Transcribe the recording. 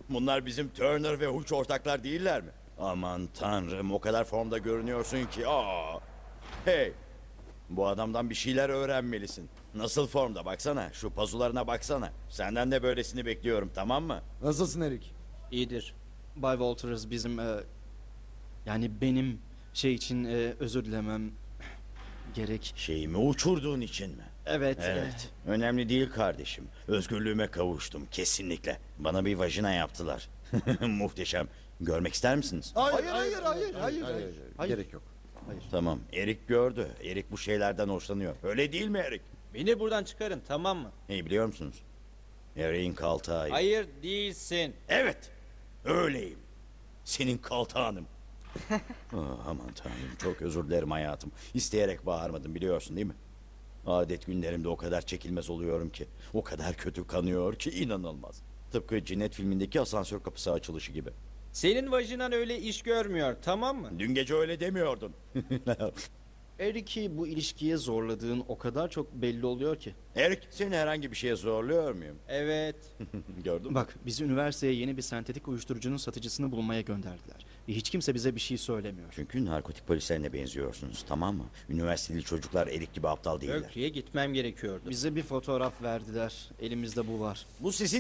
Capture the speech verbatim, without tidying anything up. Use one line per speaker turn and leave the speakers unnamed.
Bunlar bizim Turner ve Hooch ortaklar değiller mi? Aman tanrım, o kadar formda görünüyorsun ki. Aa. Hey, bu adamdan bir şeyler öğrenmelisin. Nasıl formda baksana, şu pazularına baksana. Senden de böylesini bekliyorum, tamam mı?
Nasılsın Erik?
İyidir. Bay Walters bizim e, yani benim şey için e, özür dilemem gerek.
Şeyimi uçurduğun için mi?
Evet.
Evet. Önemli değil kardeşim. Özgürlüğüme kavuştum kesinlikle. Bana bir vajina yaptılar. Muhteşem. Görmek ister misiniz?
Hayır hayır hayır hayır hayır.
Hayır.
Gerek yok.
Tamam. Erik gördü. Erik bu şeylerden hoşlanıyor. Öyle değil mi Erik?
Beni buradan çıkarın, tamam mı?
Hey, biliyor musunuz? Erik'in kaltağı.
Hayır değilsin.
Evet. Öyleyim. Senin kaltağınım. Ah, aman tanrım, çok özür dilerim hayatım. İsteyerek bağırmadım, biliyorsun değil mi? Adet günlerimde o kadar çekilmez oluyorum ki. O kadar kötü kanıyor ki inanılmaz. Tıpkı Cinnet filmindeki asansör kapısı açılışı gibi.
Senin vajinan öyle iş görmüyor, tamam mı?
Dün gece öyle demiyordun.
Eric'i bu ilişkiye zorladığın o kadar çok belli oluyor ki.
Erik, seni herhangi bir şeye zorluyor muyum?
Evet.
Gördün mü?
Bak, bizi üniversiteye yeni bir sentetik uyuşturucunun satıcısını bulmaya gönderdiler. Ve hiç kimse bize bir şey söylemiyor.
Çünkü narkotik polislerine benziyorsunuz, tamam mı? Üniversiteli çocuklar Erik gibi aptal değiller.
Berkeley'e gitmem gerekiyordu.
Bize bir fotoğraf verdiler. Elimizde bu var.
Bu sizin